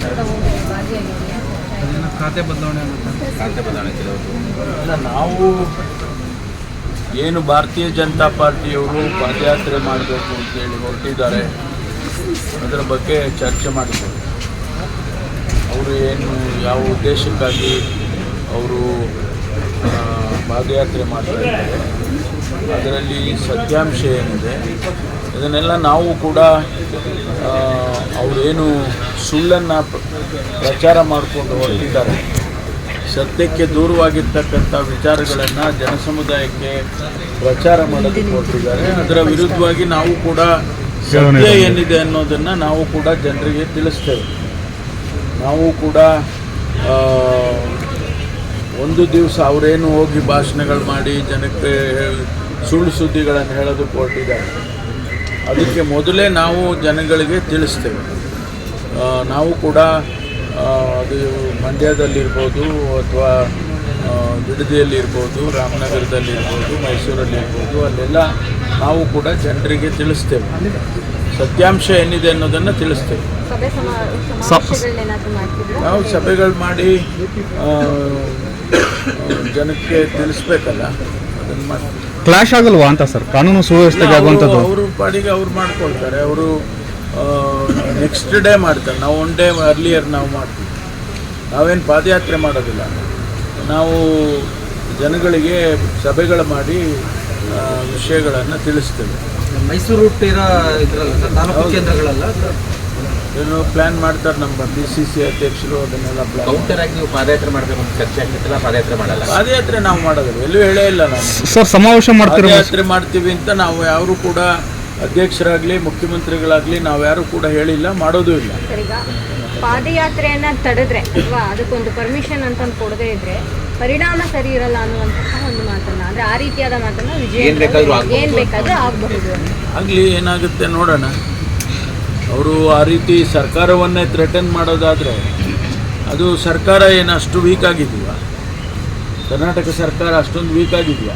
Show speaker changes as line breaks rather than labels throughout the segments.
ಖಾತೆ ಬದಲಾವಣೆ
ಇಲ್ಲ, ನಾವು ಏನು ಭಾರತೀಯ ಜನತಾ ಪಾರ್ಟಿಯವರು ಪಾದಯಾತ್ರೆ ಮಾಡಬೇಕು ಅಂತೇಳಿ ಹೊರಟಿದ್ದಾರೆ, ಅದರ ಬಗ್ಗೆ ಚರ್ಚೆ ಮಾಡಿದ್ದಾರೆ. ಅವರು ಏನು ಯಾವ ಉದ್ದೇಶಕ್ಕಾಗಿ ಅವರು ಪಾದಯಾತ್ರೆ ಮಾಡ್ತಾ ಇದ್ದಾರೆ, ಅದರಲ್ಲಿ ಸತ್ಯಾಂಶ ಏನಿದೆ ಇದನ್ನೆಲ್ಲ ನಾವು ಕೂಡ ಅವರೇನು ಸುಳ್ಳನ್ನು ಪ್ರಚಾರ ಮಾಡಿಕೊಂಡು ಹೊರಟಿದ್ದಾರೆ, ಸತ್ಯಕ್ಕೆ ದೂರವಾಗಿರ್ತಕ್ಕಂಥ ವಿಚಾರಗಳನ್ನು ಜನಸಮುದಾಯಕ್ಕೆ ಪ್ರಚಾರ ಮಾಡೋದಕ್ಕೆ ಹೊರಟಿದ್ದಾರೆ. ಅದರ ವಿರುದ್ಧವಾಗಿ ನಾವು ಕೂಡ ಸತ್ಯ ಏನಿದೆ ಅನ್ನೋದನ್ನು ನಾವು ಕೂಡ ಜನರಿಗೆ ತಿಳಿಸ್ತೇವೆ. ನಾವು ಕೂಡ ಒಂದು ದಿವಸ ಅವರೇನು ಹೋಗಿ ಭಾಷಣಗಳು ಮಾಡಿ ಜನಕ್ಕೆ ಸುಳ್ಳು ಸುದ್ದಿಗಳನ್ನು ಹೇಳೋದಕ್ಕೆ ಹೊರಟಿದ್ದಾರೆ. ಅದಕ್ಕೆ ಮೊದಲೇ ನಾವು ಜನಗಳಿಗೆ ತಿಳಿಸ್ತೇವೆ. ನಾವು ಕೂಡ ಅದು ಮಂಡ್ಯದಲ್ಲಿರ್ಬೋದು ಅಥವಾ ಬಿಡದಿಯಲ್ಲಿರ್ಬೋದು, ರಾಮನಗರದಲ್ಲಿರ್ಬೋದು, ಮೈಸೂರಲ್ಲಿರ್ಬೋದು, ಅಲ್ಲೆಲ್ಲ ನಾವು ಕೂಡ ಜನರಿಗೆ ತಿಳಿಸ್ತೇವೆ. ಸತ್ಯಾಂಶ ಏನಿದೆ ಅನ್ನೋದನ್ನು ತಿಳಿಸ್ತೇವೆ. ನಾವು ಸಭೆಗಳು ಮಾಡಿ ಜನಕ್ಕೆ ತಿಳಿಸ್ಬೇಕಲ್ಲ, ಅದನ್ನು ಮಾಡಿ.
ಕ್ಲಾಶ್ ಆಗಲ್ವಾ ಅಂತ ಸರ್ ಕಾನೂನು ಸುವ್ಯವಸ್ಥೆಗೆ ಆಗುವಂಥದ್ದು?
ಅವರು ಪಾಡಿಗೆ ಅವ್ರು ಮಾಡ್ಕೊಳ್ತಾರೆ. ಅವರು ನೆಕ್ಸ್ಟ್ ಡೇ ಮಾಡ್ತಾರೆ, ನಾವು ಒನ್ ಡೇ ಅರ್ಲಿಯರ್ ನಾವು ಮಾಡ್ತೀವಿ. ನಾವೇನು ಪಾದಯಾತ್ರೆ ಮಾಡೋದಿಲ್ಲ, ನಾವು ಜನಗಳಿಗೆ ಸಭೆಗಳು ಮಾಡಿ ವಿಷಯಗಳನ್ನು ತಿಳಿಸ್ತೇವೆ.
ಮೈಸೂರು ಹುಟ್ಟಿರೋ ಇದರಲ್ಲ ತಾಲೂಕು ಕೇಂದ್ರಗಳಲ್ಲ
ಏನು ಪ್ಲ್ಯಾನ್ ಮಾಡ್ತಾರೆ ನಮ್ಮ PCC ಅಧ್ಯಕ್ಷರು, ಅದನ್ನೆಲ್ಲ ಪ್ಲ್ಯಾನ್.
ಕೌಂಟರ್ ಆಗಿ ನೀವು ಪಾದಯಾತ್ರೆ ಮಾಡಬೇಕು ಅಂತ ಚರ್ಚೆ ಆಗ್ತಿಲ್ಲ, ಪಾದಯಾತ್ರೆ ಮಾಡಲ್ಲ.
ಪಾದಯಾತ್ರೆ ನಾವು ಮಾಡೋದಿಲ್ಲ, ಎಲ್ಲೂ ಹೇಳೇ ಇಲ್ಲ. ನಾವು
ಸರ್ ಸಮಾವೇಶ ಮಾಡ್ತೀವಿ,
ಪಾದಯಾತ್ರೆ ಮಾಡ್ತೀವಿ ಅಂತ ನಾವು ಯಾರು ಕೂಡ ಅಧ್ಯಕ್ಷರಾಗಲಿ ಮುಖ್ಯಮಂತ್ರಿಗಳಾಗಲಿ ನಾವು ಯಾರು ಕೂಡ ಹೇಳಿಲ್ಲ, ಮಾಡೋದೂ ಇಲ್ಲ.
ಪಾದಯಾತ್ರೆಯನ್ನ ತಡೆದ್ರೆ ಅಥವಾ ಅದಕ್ಕೊಂದು ಪರ್ಮಿಷನ್ ಅಂತ ಕೊಡದೇ ಇದ್ರೆ ಪರಿಣಾಮ ಸರಿ ಇರಲ್ಲ ಅನ್ನುವಂತಹ ಒಂದು ಮಾತನ್ನ, ಅಂದ್ರೆ ಆ ರೀತಿಯಾದ ಮಾತನ್ನ ಏನ್ ಬೇಕಾದ್ರೂ ಆಗಬಹುದು.
ಆಗಲಿ, ಏನಾಗುತ್ತೆ ನೋಡೋಣ. ಅವರು ಆ ರೀತಿ ಸರ್ಕಾರವನ್ನೇ ಥ್ರೆಟನ್ ಮಾಡೋದಾದರೆ ಅದು ಸರ್ಕಾರ ಏನು ಅಷ್ಟು ವೀಕ್ ಆಗಿದೆಯಾ? ಕರ್ನಾಟಕ ಸರ್ಕಾರ ಅಷ್ಟೊಂದು ವೀಕ್ ಆಗಿದೆಯಾ?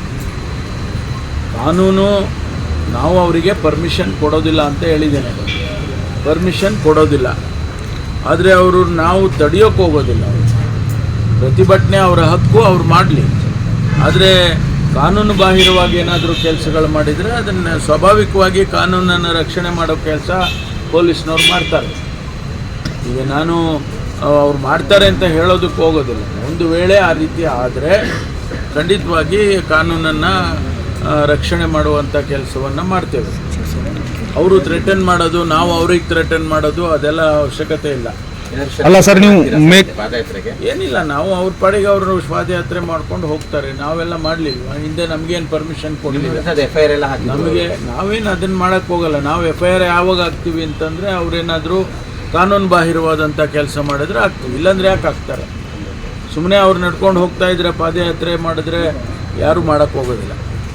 ಕಾನೂನು ನಾವು ಅವರಿಗೆ ಪರ್ಮಿಷನ್ ಕೊಡೋದಿಲ್ಲ ಅಂತ ಹೇಳಿದ್ದೇನೆ, ಪರ್ಮಿಷನ್ ಕೊಡೋದಿಲ್ಲ. ಆದರೆ ಅವರು ನಾವು ತಡೆಯೋಕ್ಕೆ ಹೋಗೋದಿಲ್ಲ. ಪ್ರತಿಭಟನೆ ಅವರ ಹಕ್ಕು, ಅವ್ರು ಮಾಡಲಿ. ಆದರೆ ಕಾನೂನು ಬಾಹಿರವಾಗಿ ಏನಾದರೂ ಕೆಲಸಗಳು ಮಾಡಿದರೆ ಅದನ್ನು ಸ್ವಾಭಾವಿಕವಾಗಿ ಕಾನೂನನ್ನು ರಕ್ಷಣೆ ಮಾಡೋ ಕೆಲಸ ಪೊಲೀಸ್ನವ್ರು ಮಾಡ್ತಾರೆ. ಈಗ ನಾನು ಅವ್ರು ಮಾಡ್ತಾರೆ ಅಂತ ಹೇಳೋದಕ್ಕೆ ಹೋಗೋದಿಲ್ಲ. ಒಂದು ವೇಳೆ ಆ ರೀತಿ ಆದರೆ ಖಂಡಿತವಾಗಿ ಕಾನೂನನ್ನು ರಕ್ಷಣೆ ಮಾಡುವಂಥ ಕೆಲಸವನ್ನು ಮಾಡ್ತೇವೆ. ಅವರು ಥ್ರೆಟನ್ ಮಾಡೋದು, ನಾವು ಅವ್ರಿಗೆ ಥ್ರೆಟನ್ ಮಾಡೋದು ಅದೆಲ್ಲ ಅವಶ್ಯಕತೆ ಇಲ್ಲ.
ಅಲ್ಲ ಸರ್, ನೀವು
ಏನಿಲ್ಲ, ನಾವು ಅವ್ರ ಪಾಡಿಗೆ ಅವರು ಪಾದಯಾತ್ರೆ ಮಾಡ್ಕೊಂಡು ಹೋಗ್ತಾರೆ. ನಾವೆಲ್ಲ ಮಾಡಲಿಲ್ವ? ಹಿಂದೆ ನಮಗೇನು ಪರ್ಮಿಷನ್ ಕೊಡಲಿಲ್ಲ. ನಮಗೆ ನಾವೇನು ಅದನ್ನು ಮಾಡೋಕ್ಕೆ ಹೋಗಲ್ಲ. ನಾವು FIR ಯಾವಾಗ ಹಾಕ್ತೀವಿ ಅಂತಂದರೆ ಅವರೇನಾದರೂ ಕಾನೂನು ಬಾಹಿರವಾದಂಥ ಕೆಲಸ ಮಾಡಿದ್ರೆ ಆಗ್ತೀವಿ, ಇಲ್ಲಾಂದರೆ ಯಾಕೆ ಹಾಕ್ತಾರೆ? ಸುಮ್ಮನೆ ಅವ್ರು ನಡ್ಕೊಂಡು ಹೋಗ್ತಾ ಇದ್ರೆ ಪಾದಯಾತ್ರೆ ಮಾಡಿದ್ರೆ ಯಾರೂ ಮಾಡೋಕ್ಕೆ ಹೋಗೋದಿಲ್ಲ.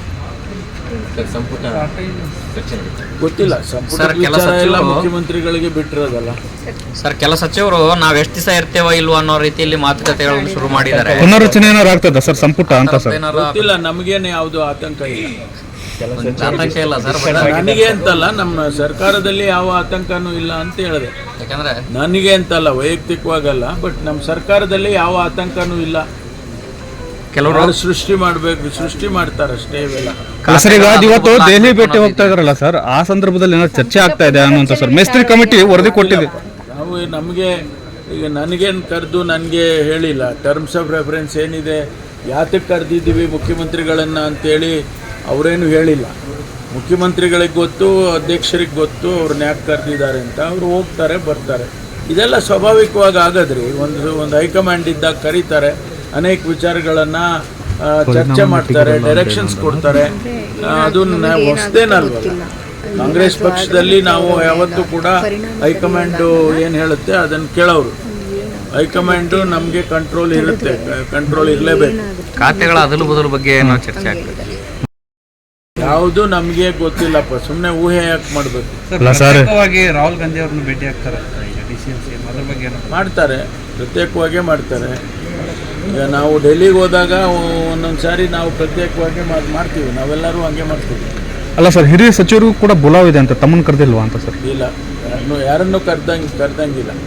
ಗೊತ್ತಿಲ್ಲ, ಸಂಪುಟ ವಿಚಾರ ಎಲ್ಲ ಮುಖ್ಯಮಂತ್ರಿಗಳಿಗೆ ಬಿಟ್ಟಿರೋದಲ್ಲ
ಸರ್. ಕೆಲ ಸಚಿವರು ನಾವು ಎಷ್ಟು ದಿವಸ ಇರ್ತೇವ ಇಲ್ವಾ ಅನ್ನೋ ರೀತಿಯಲ್ಲಿ ಮಾತುಕತೆಗಳನ್ನು ಶುರು ಮಾಡಿದ್ದಾರೆ.
ಪುನರ್ರಚನೆ ಏನಾರು ಆಗ್ತದ ಸರ್ ಸಂಪುಟ ಅಂತ? ಸರ್
ಗೊತ್ತಿಲ್ಲ, ನಮಗೇನು ಯಾವುದು ಆತಂಕ ಇಲ್ಲ.
ಆತಂಕ ಇಲ್ಲ ಸರ್,
ನನಗೆ ಅಂತಲ್ಲ, ನಮ್ಮ ಸರ್ಕಾರದಲ್ಲಿ ಯಾವ ಆತಂಕನೂ ಇಲ್ಲ ಅಂತ ಹೇಳಿದೆ.
ಯಾಕಂದ್ರೆ
ನನಗೆ ಅಂತಲ್ಲ, ವೈಯಕ್ತಿಕವಾಗಲ್ಲ, ಬಟ್ ನಮ್ಮ ಸರ್ಕಾರದಲ್ಲಿ ಯಾವ ಆತಂಕನೂ ಇಲ್ಲ. ಕೆಲವರು ಸೃಷ್ಟಿ ಮಾಡಬೇಕು, ಸೃಷ್ಟಿ ಮಾಡ್ತಾರೆ ಅಷ್ಟೇ. ಇವೆಲ್ಲ
ಸರ್ ಈಗ ಇವತ್ತು ದೆಹಲಿ ಭೇಟಿ ಹೋಗ್ತಾ ಇದಾರಲ್ಲ ಸರ್, ಆ ಸಂದರ್ಭದಲ್ಲಿ ಏನಾದ್ರು ಚರ್ಚೆ ಆಗ್ತಾ ಇದೆ ಅನ್ನುವಂಥ ಸರ್ ಮೇಸ್ತ್ರಿ ಕಮಿಟಿ ವರದಿ ಕೊಟ್ಟಿದೆ.
ನಾವು ನಮಗೆ ಈಗ ನನಗೇನು ಕರೆದು ನನಗೆ ಹೇಳಿಲ್ಲ. ಟರ್ಮ್ಸ್ ಆಫ್ ರೆಫರೆನ್ಸ್ ಏನಿದೆ, ಯಾತಕ್ಕೆ ಕರೆದಿದ್ದೀವಿ ಮುಖ್ಯಮಂತ್ರಿಗಳನ್ನು ಅಂತೇಳಿ ಅವರೇನು ಹೇಳಿಲ್ಲ. ಮುಖ್ಯಮಂತ್ರಿಗಳಿಗೆ ಗೊತ್ತು, ಅಧ್ಯಕ್ಷರಿಗೆ ಗೊತ್ತು ಅವ್ರನ್ನ ಯಾಕೆ ಕರೆದಿದ್ದಾರೆ ಅಂತ. ಅವರು ಹೋಗ್ತಾರೆ ಬರ್ತಾರೆ, ಇದೆಲ್ಲ ಸ್ವಾಭಾವಿಕವಾಗಿ ಆಗೋದ್ರಿ. ಒಂದು ಹೈಕಮಾಂಡ್ ಇದ್ದಾಗ ಕರೀತಾರೆ, ಅನೇಕ ವಿಚಾರಗಳನ್ನು ಚರ್ಚೆ ಮಾಡ್ತಾರೆ, ಡೈರೆಕ್ಷನ್ಸ್ ಕೊಡ್ತಾರೆ. ಅದು ಹೊಸದೇನಲ್ವಲ್ಲ. ಕಾಂಗ್ರೆಸ್ ಪಕ್ಷದಲ್ಲಿ ನಾವು ಯಾವತ್ತೂ ಕೂಡ ಹೈಕಮಾಂಡು ಏನು ಹೇಳುತ್ತೆ ಅದನ್ನು ಕೇಳೋರು. ಹೈಕಮಾಂಡು ನಮಗೆ ಕಂಟ್ರೋಲ್ ಇರುತ್ತೆ, ಕಂಟ್ರೋಲ್ ಇರಲೇಬೇಕು.
ಖಾತೆಗಳ ಅದಲು ಬದಲು ಬಗ್ಗೆ ಏನೋ ಚರ್ಚೆ ಆಗ್ತದೆ.
ಯಾವುದು ನಮಗೆ ಗೊತ್ತಿಲ್ಲಪ್ಪ, ಸುಮ್ಮನೆ ಊಹೆ ಯಾಕೆ ಮಾಡಬೇಕು?
ರಾಹುಲ್ ಗಾಂಧಿ ಅವ್ರನ್ನ ಭೇಟಿ ಆಗ್ತಾರೆ,
ಮಾಡ್ತಾರೆ, ಪ್ರತ್ಯೇಕವಾಗೇ ಮಾಡ್ತಾರೆ. ಈಗ ನಾವು ಡೆಲ್ಲಿಗೆ ಹೋದಾಗ ಒಂದೊಂದು ಸಾರಿ ನಾವು ಪ್ರತ್ಯೇಕವಾಗಿ ಮಾಡ್ತೀವಿ, ನಾವೆಲ್ಲರೂ ಹಂಗೆ ಮಾಡ್ತೀವಿ.
ಅಲ್ಲ ಸರ್, ಹಿರಿಯ ಸಚಿವರು ಕೂಡ ಬುಲಾವ್ ಇದೆ ಅಂತ, ತಮ್ಮನ್ನು ಕರೆದಿಲ್ವಾ ಅಂತ ಸರ್?
ಇಲ್ಲ, ಯಾರನ್ನೂ ಕರ್ದಂಗಿಲ್ಲ.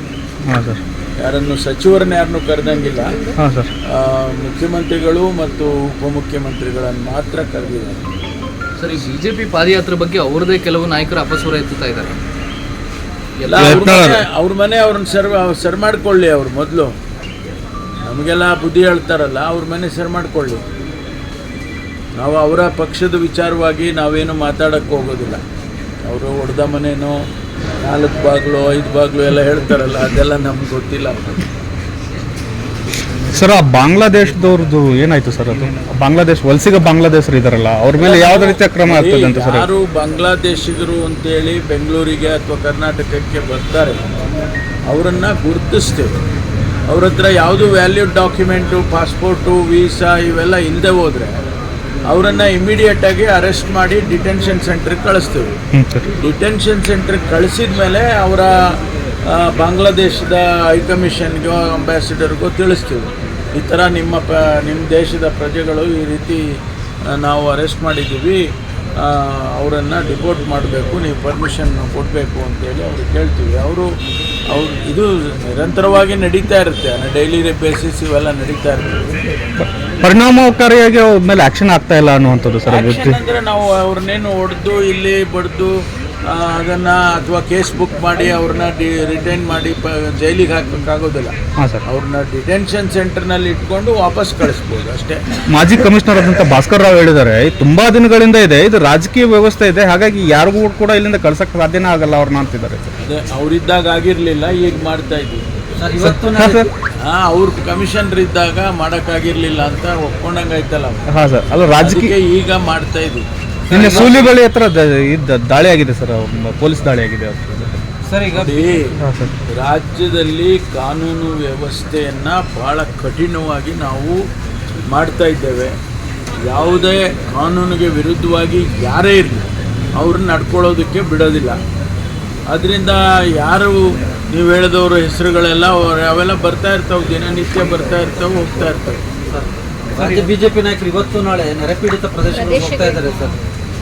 ಹಾಂ ಸರ್.
ಯಾರನ್ನು ಸಚಿವರನ್ನ ಯಾರನ್ನು ಕರೆದಂಗಿಲ್ಲ.
ಹಾಂ ಸರ್.
ಮುಖ್ಯಮಂತ್ರಿಗಳು ಮತ್ತು ಉಪಮುಖ್ಯಮಂತ್ರಿಗಳನ್ನು ಮಾತ್ರ ಕರೆದಿದ್ದಾರೆ.
ಸರ್, ಈ ಬಿಜೆಪಿ ಪಾದಯಾತ್ರೆ ಬಗ್ಗೆ ಅವರದೇ ಕೆಲವು ನಾಯಕರು ಅಪಸ್ವರ ಎತ್ತುತ್ತಾ ಇದ್ದಾರೆ.
ಎಲ್ಲ ಅವ್ರ ಮನೆ ಅವ್ರನ್ನ ಸರ್ ಮಾಡ್ಕೊಳ್ಳಿ. ಅವ್ರು ಮೊದಲು ನಮಗೆಲ್ಲ ಬುದ್ಧಿ ಹೇಳ್ತಾರಲ್ಲ, ಅವ್ರ ಮನೆ ಸರ್ ಮಾಡ್ಕೊಳ್ಳಿ. ನಾವು ಅವರ ಪಕ್ಷದ ವಿಚಾರವಾಗಿ ನಾವೇನು ಮಾತಾಡೋಕ್ಕೆ ಹೋಗೋದಿಲ್ಲ. ಅವರು ಹೊಡೆದ ಮನೇನೋ 4 ಬಾಗಿಲು 5 ಬಾಗಿಲು ಎಲ್ಲ ಹೇಳ್ತಾರಲ್ಲ, ಅದೆಲ್ಲ ನಮ್ಗೆ ಗೊತ್ತಿಲ್ಲ.
ಸರ್, ಆ ಬಾಂಗ್ಲಾದೇಶದವ್ರದ್ದು ಏನಾಯ್ತು ಸರ್? ಅದು ಬಾಂಗ್ಲಾದೇಶ ವಲಸಿಗ ಬಾಂಗ್ಲಾದೇಶರು ಇದಾರಲ್ಲ, ಅವ್ರ ಮೇಲೆ ಯಾವುದೇ ರೀತಿಯ ಕ್ರಮ ಆಗ್ತದೆ ಅಂತ ಸರ್?
ಯಾರು ಬಾಂಗ್ಲಾದೇಶಿಗರು ಅಂತೇಳಿ ಬೆಂಗಳೂರಿಗೆ ಅಥವಾ ಕರ್ನಾಟಕಕ್ಕೆ ಬರ್ತಾರೆ ಅವರನ್ನು ಗುರುತಿಸ್ತೇವೆ. ಅವ್ರ ಹತ್ರ ಯಾವುದು ವ್ಯಾಲ್ಯೂಡ್ ಡಾಕ್ಯುಮೆಂಟು, ಪಾಸ್ಪೋರ್ಟು, ವೀಸಾ ಇವೆಲ್ಲ ಇಲ್ಲದೆ ಹೋದರೆ ಅವರನ್ನು ಇಮಿಡಿಯೇಟಾಗಿ ಅರೆಸ್ಟ್ ಮಾಡಿ ಡಿಟೆನ್ಷನ್ ಸೆಂಟ್ರಿಗೆ ಕಳಿಸ್ತೇವೆ. ಡಿಟೆನ್ಷನ್ ಸೆಂಟ್ರಿಗೆ ಕಳಿಸಿದ ಮೇಲೆ ಅವರ ಬಾಂಗ್ಲಾದೇಶದ ಹೈಕಮಿಷನ್ಗೋ ಅಂಬಾಸಿಡರ್ಗೋ ತಿಳಿಸ್ತೀವಿ, ಈ ಥರ ನಿಮ್ಮ ದೇಶದ ಪ್ರಜೆಗಳು ಈ ರೀತಿ ನಾವು ಅರೆಸ್ಟ್ ಮಾಡಿದ್ದೀವಿ, ಅವರನ್ನು ಡಿಪೋರ್ಟ್ ಮಾಡಬೇಕು, ನೀವು ಪರ್ಮಿಷನ್ ಕೊಡಬೇಕು ಅಂತೇಳಿ ಅವ್ರಿಗೆ ಕೇಳ್ತೀವಿ. ಅವರು ಇದು ನಿರಂತರವಾಗಿ ನಡೀತಾ ಇರುತ್ತೆ, ಡೈಲಿ ಬೇಸಿಸ್ ಇವೆಲ್ಲ ನಡೀತಾ ಇರ್ತದೆ.
ಪರಿಣಾಮಕಾರಿಯಾಗಿ ಅವ್ರ ಮೇಲೆ ಆ್ಯಕ್ಷನ್ ಆಗ್ತಾ ಇಲ್ಲ ಅನ್ನುವಂಥದ್ದು ಸರ್?
ಆ್ಯಕ್ಷನ್ ಅಂದರೆ ನಾವು ಅವ್ರನ್ನೇನು ಹೊಡೆದು ಇಲ್ಲಿ ಬಡ್ದು ಅದನ್ನು ಅಥವಾ ಕೇಸ್ ಬುಕ್ ಮಾಡಿ ಅವ್ರನ್ನ ರಿಟೈನ್ ಮಾಡಿ ಜೈಲಿಗೆ ಹಾಕಬೇಕಾಗೋದಿಲ್ಲ.
ಹಾಂ ಸರ್.
ಅವ್ರನ್ನ ಡಿಟೆನ್ಷನ್ ಸೆಂಟರ್ನಲ್ಲಿ ಇಟ್ಕೊಂಡು ವಾಪಸ್ ಕಳಿಸ್ಬೋದು ಅಷ್ಟೇ.
ಮಾಜಿ ಕಮಿಷನರ್ ಆದಂಥ ಭಾಸ್ಕರ್ ರಾವ್ ಹೇಳಿದ್ದಾರೆ, ತುಂಬಾ ದಿನಗಳಿಂದ ಇದೆ, ಇದು ರಾಜಕೀಯ ವ್ಯವಸ್ಥೆ ಇದೆ, ಹಾಗಾಗಿ ಯಾರಿಗೂ ಕೂಡ ಇಲ್ಲಿಂದ ಕಳ್ಸಕ್ಕೆ ಸಾಧ್ಯನೇ ಆಗಲ್ಲ ಅವ್ರನ್ನ ಅಂತಿದ್ದಾರೆ.
ಅದೇ ಅವರಿದ್ದಾಗ ಆಗಿರಲಿಲ್ಲ, ಈಗ ಮಾಡ್ತಾ ಇದ್ದೀವಿ.
ಇವತ್ತು
ಅವ್ರ ಕಮಿಷನರ್ ಇದ್ದಾಗ ಮಾಡೋಕ್ಕಾಗಿರ್ಲಿಲ್ಲ ಅಂತ ಒಪ್ಕೊಂಡಂಗಾಯ್ತಲ್ಲ.
ಹಾಂ ಸರ್. ಅದು ರಾಜಕೀಯ
ಈಗ ಮಾಡ್ತಾ ಇದ್ದೀವಿ.
ನಿನ್ನೆ ಸೂಲಿಬೆಳೆ ಹತ್ರ ದಾಳಿ ಆಗಿದೆ ಸರ್, ಪೊಲೀಸ್ ದಾಳಿ ಆಗಿದೆ
ಸರ್. ಈಗ
ರಾಜ್ಯದಲ್ಲಿ ಕಾನೂನು ವ್ಯವಸ್ಥೆಯನ್ನು ಭಾಳ ಕಠಿಣವಾಗಿ ನಾವು ಮಾಡ್ತಾ ಇದ್ದೇವೆ. ಯಾವುದೇ ಕಾನೂನಿಗೆ ವಿರುದ್ಧವಾಗಿ ಯಾರೇ ಇರಲಿ ಅವ್ರನ್ನ ನಡ್ಕೊಳ್ಳೋದಕ್ಕೆ ಬಿಡೋದಿಲ್ಲ. ಅದರಿಂದ ಯಾರು ನೀವು ಹೇಳಿದವರು ಹೆಸರುಗಳೆಲ್ಲ ಅವೆಲ್ಲ ಬರ್ತಾ ಇರ್ತಾವೆ, ದಿನನಿತ್ಯ ಬರ್ತಾ ಇರ್ತವೆ, ಹೋಗ್ತಾ ಇರ್ತವೆ.
ರಾಜ್ಯ ಬಿಜೆಪಿ ನಾಯಕರು ಇವತ್ತು ನಾಳೆ ನೆರೆಪೀಡಿತ ಪ್ರದೇಶಕ್ಕೆ ಹೋಗ್ತಾ ಇದ್ದಾರೆ ಸರ್.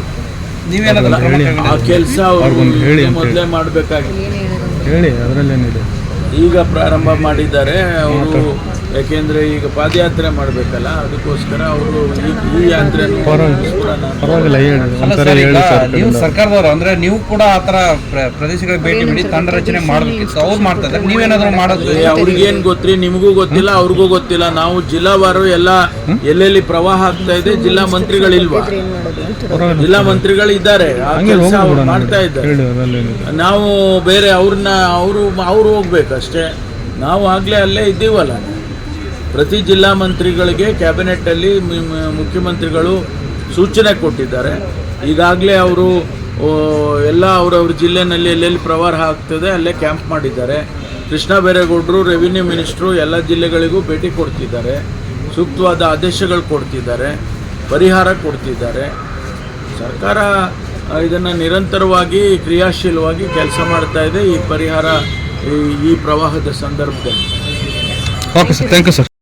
ಆ ಕೆಲಸ ಅವರು ಮೊದಲೇ ಮಾಡಬೇಕಾಗಿತ್ತು.
ಹೇಳಿ, ಅದರಲ್ಲೇನಿದೆ.
ಈಗ ಪ್ರಾರಂಭ ಮಾಡಿದ್ದಾರೆ ಅವರು, ಯಾಕೆಂದರೆ ಈಗ ಪಾದಯಾತ್ರೆ ಮಾಡಬೇಕಲ್ಲ, ಅದಕ್ಕೋಸ್ಕರ ಅವರು ಈ ಯಾತ್ರೆ
ಪರವಾಗಿಲ್ಲ ಹೇಳಿ.
ನೀವು ಸರ್ಕಾರದವರು ಅಂದ್ರೆ ನೀವು ಕೂಡ ಆ ಥರ ಪ್ರದೇಶಗಳಿಗೆ ಭೇಟಿ ನೀಡಿ ತಂಡ ರಚನೆ ಮಾಡಬೇಕಿತ್ತು, ಅವ್ರು ಮಾಡ್ತಾ ಇದ್ದಾರೆ, ನೀವೇನಾದರೂ ಮಾಡೋದು?
ಅವ್ರಿಗೇನು ಗೊತ್ತ್ರಿ, ನಿಮಗೂ ಗೊತ್ತಿಲ್ಲ, ಅವ್ರಿಗೂ ಗೊತ್ತಿಲ್ಲ. ನಾವು ಜಿಲ್ಲಾವಾರು ಎಲ್ಲ ಎಲ್ಲೆಲ್ಲಿ ಪ್ರವಾಹ ಆಗ್ತಾ ಇದೆ, ಜಿಲ್ಲಾ ಮಂತ್ರಿಗಳಿಲ್ವಾ? ಜಿಲ್ಲಾ ಮಂತ್ರಿಗಳು ಇದ್ದಾರೆ, ಆ ಕೆಲಸ ಅವ್ರು ಮಾಡ್ತಾ ಇದ್ದಾರೆ. ನಾವು ಬೇರೆ ಅವ್ರು ಹೋಗ್ಬೇಕಷ್ಟೇ. ನಾವು ಆಗಲೇ ಅಲ್ಲೇ ಇದ್ದೀವಲ್ಲ. ಪ್ರತಿ ಜಿಲ್ಲಾ ಮಂತ್ರಿಗಳಿಗೆ ಕ್ಯಾಬಿನೆಟ್ಟಲ್ಲಿ ಮುಖ್ಯಮಂತ್ರಿಗಳು ಸೂಚನೆ ಕೊಟ್ಟಿದ್ದಾರೆ. ಈಗಾಗಲೇ ಅವರು ಎಲ್ಲ ಅವರವ್ರ ಜಿಲ್ಲೆನಲ್ಲಿ ಎಲ್ಲೆಲ್ಲಿ ಪ್ರವಾಹ ಆಗ್ತದೆ ಅಲ್ಲೇ ಕ್ಯಾಂಪ್ ಮಾಡಿದ್ದಾರೆ. ಕೃಷ್ಣ ಬೈರೇಗೌಡರು ರೆವಿನ್ಯೂ ಮಿನಿಸ್ಟ್ರು ಎಲ್ಲ ಜಿಲ್ಲೆಗಳಿಗೂ ಭೇಟಿ ಕೊಡ್ತಿದ್ದಾರೆ, ಸೂಕ್ತವಾದ ಆದೇಶಗಳು ಕೊಡ್ತಿದ್ದಾರೆ, ಪರಿಹಾರ ಕೊಡ್ತಿದ್ದಾರೆ. ಸರ್ಕಾರ ಇದನ್ನು ನಿರಂತರವಾಗಿ ಕ್ರಿಯಾಶೀಲವಾಗಿ ಕೆಲಸ ಮಾಡ್ತಾ ಇದೆ. ಈ ಪರಿಹಾರ ಈ ಪ್ರವಾಹದ ಸಂದರ್ಭದಲ್ಲಿ.
Okay sir, thank you sir.